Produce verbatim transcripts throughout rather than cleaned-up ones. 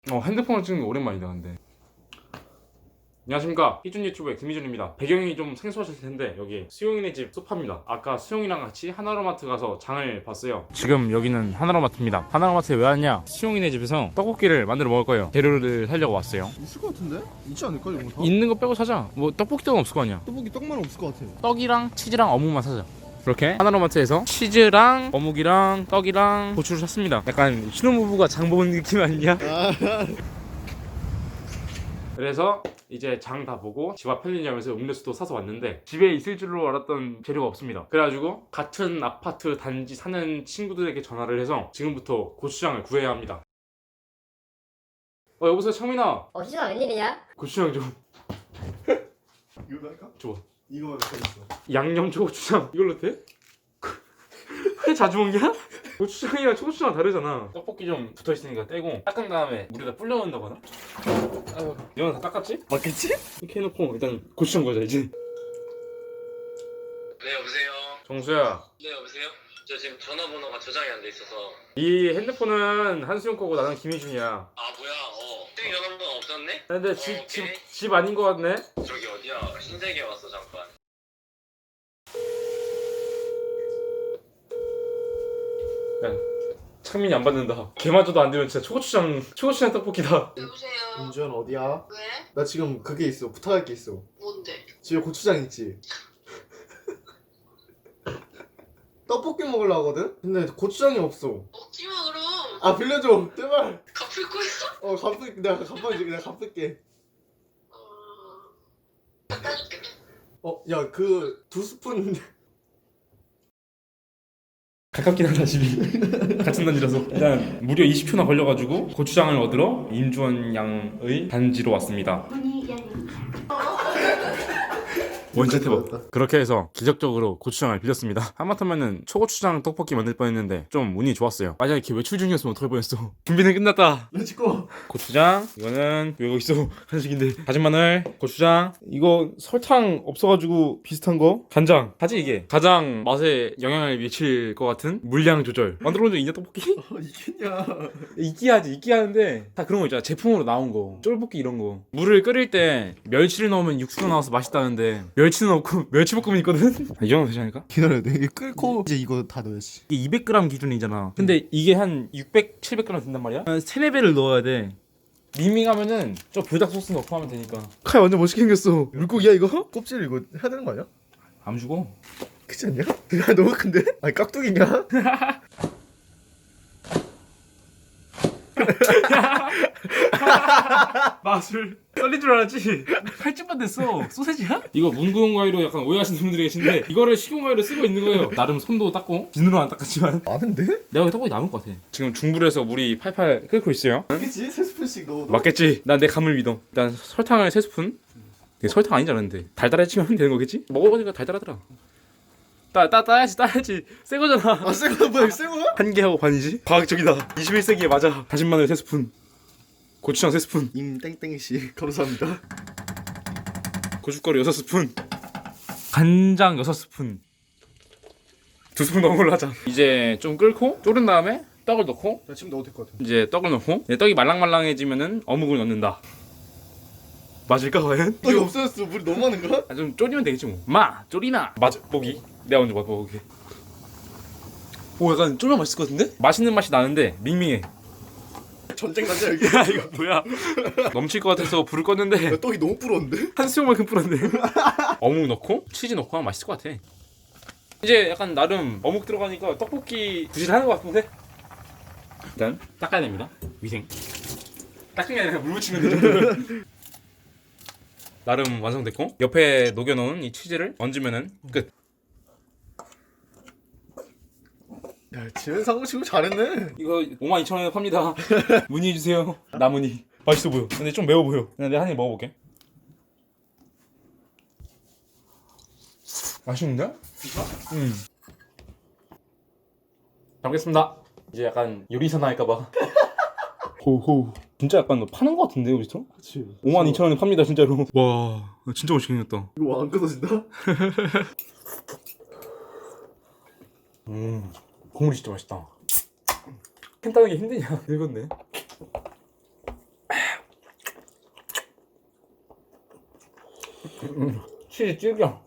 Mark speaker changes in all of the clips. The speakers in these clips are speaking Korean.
Speaker 1: 어 핸드폰을 찍는 거 오랜만이다 근데. 안녕하십니까, 희준 유튜브의 김희준입니다. 배경이 좀 생소하실 텐데 여기 수용이네 집 소파입니다. 아까 수용이랑 같이 하나로마트 가서 장을 봤어요. 지금 여기는 하나로마트입니다. 하나로마트에 왜 왔냐, 수용이네 집에서 떡볶이를 만들어 먹을 거예요. 재료를 사려고 왔어요.
Speaker 2: 있을 것 같은데? 있지 않을까 이런 거 다?
Speaker 1: 있는 거 빼고 사자. 뭐 떡볶이 떡은 없을 거 아니야.
Speaker 2: 떡볶이 떡만 없을 것 같아.
Speaker 1: 떡이랑 치즈랑 어묵만 사자. 이렇게 하나로마트에서 치즈랑 어묵이랑 떡이랑 고추를 샀습니다. 약간 신혼부부가 장 보는 느낌 아니냐?
Speaker 2: 아,
Speaker 1: 그래서 이제 장 다 보고 집 앞 편의점에서 음료수도 사서 왔는데 집에 있을 줄로 알았던 재료가 없습니다. 그래가지고 같은 아파트 단지 사는 친구들에게 전화를 해서 지금부터 고추장을 구해야 합니다. 어 여보세요 창민아,
Speaker 3: 어, 희준아 웬일이냐?
Speaker 1: 고추장 좀
Speaker 2: 이걸로 할까?
Speaker 1: 줘.
Speaker 2: 이거 잘했어.
Speaker 1: 양념 초고추장 이걸로 돼? 회 자주 먹냐? 고추장이랑 초고추장 다르잖아. 떡볶이 좀 붙어있으니까 떼고 닦은 다음에 물에다 불려놓는다거나. 아유, 이건 다 닦았지?
Speaker 2: 맞겠지?
Speaker 1: 이렇게 해놓고 일단 고추장 거자 이제.
Speaker 4: 네 여보세요.
Speaker 1: 정수야,
Speaker 4: 네 여보세요. 저 지금 전화번호가 저장이 안 돼 있어서.
Speaker 1: 이 핸드폰은 한수영 거고 나는 김희준이야.
Speaker 4: 아 뭐야? 어. 땡 전화번호 없었네?
Speaker 1: 근데
Speaker 4: 어,
Speaker 1: 집, 집,
Speaker 4: 오케이.
Speaker 1: 집 아닌 거 같네?
Speaker 4: 저기 어디야? 신세계 왔어 잠깐.
Speaker 1: 야, 창민이 안 받는다. 걔마저도 안 되면 진짜 초고추장, 초고추장 떡볶이다.
Speaker 3: 여보세요.
Speaker 2: 윤주현 어디야?
Speaker 3: 왜?
Speaker 2: 나 지금 그게 있어. 부탁할 게 있어.
Speaker 3: 뭔데?
Speaker 2: 집에 고추장 있지? 떡볶이 먹으려 하거든? 근데 고추장이 없어.
Speaker 3: 먹지마 그럼.
Speaker 2: 아 빌려줘 제발.
Speaker 3: 갚을 거 있어?
Speaker 2: 어 갚을 내가 갚아줄게. 내가 갚을게.
Speaker 3: 어... 갖다 줄게.
Speaker 2: 어야 그 두 스푼.
Speaker 1: 가깝긴 하다 집이. 같은 단지라서. 일단 무려 이십 초나 걸려가지고 고추장을 얻으러 임주원 양의 단지로 왔습니다. 원샷 해봐. 그렇게 해서 기적적으로 고추장을 빌렸습니다. 하마터면은 초고추장 떡볶이 만들 뻔했는데 좀 운이 좋았어요. 만약에 이렇게 외출 중이었으면 어떡할 뻔했어. 준비는 끝났다.
Speaker 2: 렛츠고.
Speaker 1: 고추장, 이거는 왜 여기 있어? 한식인데. 다진 마늘, 고추장. 이거 설탕 없어가지고 비슷한 거. 간장. 하지 이게 가장 맛에 영향을 미칠 것 같은 물량 조절. 만들어본 적 있냐 떡볶이?
Speaker 2: 어 이겠냐?
Speaker 1: 있긴 하지, 있긴 하는데 다 그런 거 있잖아. 제품으로 나온 거, 쫄볶이 이런 거. 물을 끓일 때 멸치를 넣으면 육수가 나와서 맛있다는데 멸치는 없고 멸치볶음이 있거든? 이 정도 되지 않을까?
Speaker 2: 기다려야 돼. 이게 끓고 이제 이거 다 넣어야지.
Speaker 1: 이게 이백 그램 기준이잖아. 근데 이게 한 육백, 칠백 그램 된단 말이야? 한 세네 배를 넣어야 돼. 밍밍하면은 저 불닭 소스 넣고 하면 되니까.
Speaker 2: 칼 완전 멋있게 생겼어. 물고기야 이거? 껍질 이거 해야 되는 거 아니야?
Speaker 1: 안 주고.
Speaker 2: 그렇지 않냐? 야 너무 큰데? 아니 깍두기냐?
Speaker 1: 마술 떨린 줄 알았지? 팔찌만 됐어. 소세지야? 이거 문구용 가위로 약간 오해하시는 분들이 계신데 이거를 식용 가위로 쓰고 있는 거예요. 나름 손도 닦고 비누로 안 닦았지만
Speaker 2: 아는데?
Speaker 1: 내가 떡볶이 남을 것 같아. 지금 중불에서 물이 팔팔 끓고 있어요.
Speaker 2: 맞겠지? 세 스푼씩 넣어.
Speaker 1: 맞겠지? 난 내 감을 믿어. 일단 설탕을 세 스푼. 이게 설탕 아니지 않은데 달달해지면 되는 거겠지? 먹어보니까 달달하더라. 따, 따, 따야지 따야지. 새 거잖아.
Speaker 2: 아 새거 뭐야? 새 거야?
Speaker 1: 한 개 하고 반이지? 과학적이다. 이십일 세기에 맞아. 다진 마늘 세 스푼, 고추장 세 스푼,
Speaker 2: 임 땡땡씨 감사합니다.
Speaker 1: 고춧가루 여섯 스푼, 간장 여섯 스푼. 두 스푼 넣은 걸로 하자. 이제 좀 끓고 졸은 다음에 떡을 넣고
Speaker 2: 나 지금 넣어도 될 것 같아.
Speaker 1: 이제 떡을 넣고 이제 떡이 말랑말랑해지면은 어묵을 넣는다. 맞을까 과연?
Speaker 2: 떡이 없어졌어. 물이 너무 많은가?
Speaker 1: 아, 좀 졸이면 되겠지 뭐. 마 졸이나 맛보기. 내가 먼저 맛보게. 오 약간 쫄면 맛있을 것 같은데? 맛있는 맛이 나는데 밍밍해.
Speaker 2: 전쟁 난자 여기.
Speaker 1: 야 이거 뭐야? 넘칠 것 같아서 불을 껐는데
Speaker 2: 야, 떡이 너무 불었는데?
Speaker 1: 한 수영만큼 뿌렸네. 어묵 넣고 치즈 넣고 하면 맛있을 것 같아. 이제 약간 나름 어묵 들어가니까 떡볶이 부실하는 것 같은데? 일단 닦아야 됩니다. 위생. 닦은 게 아니라 물 묻히면 되죠. 나름 완성됐고 옆에 녹여놓은 이 치즈를 얹으면은 끝.
Speaker 2: 야 지금 상호 치고 잘했네.
Speaker 1: 이거 오만 이천 원에 팝니다. 문의해주세요. 나문의. 맛있어 보여. 근데 좀 매워 보여. 근데 내가 한 입 먹어볼게. 맛있는데? 진짜? 응. 잘 먹겠습니다. 이제 약간 요리사나 할까봐. 호호. 진짜 약간 너 파는 거 같은데 여기서?
Speaker 2: 그렇지.
Speaker 1: 오만 이천 원에 팝니다 진짜로. 와 진짜 맛있게 생겼다.
Speaker 2: 이거 안 끊어진다?
Speaker 1: 음 국물이 진짜 맛있다. 캔 따는 게 힘드냐? 늙었네. 치즈 질겨.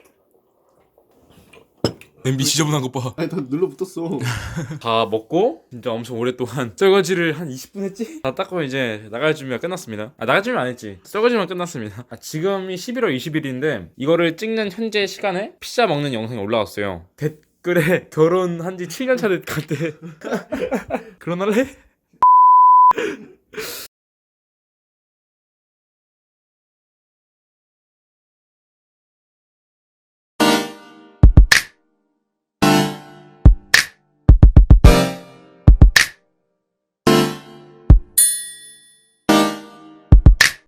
Speaker 1: 냄비 지저분한 것 봐.
Speaker 2: 아니 다 눌러붙었어.
Speaker 1: 다 먹고 진짜 엄청 오랫동안 설거지를 한 이십 분 했지? 다 닦고 이제 나갈 준비가 끝났습니다. 아 나갈 준비 안 했지. 설거지만 끝났습니다. 아, 지금이 십일월 이십일인데 이거를 찍는 현재 시간에 피자 먹는 영상이 올라왔어요. 댓글에 결혼한 지 칠 년 차 같대. 결혼할래?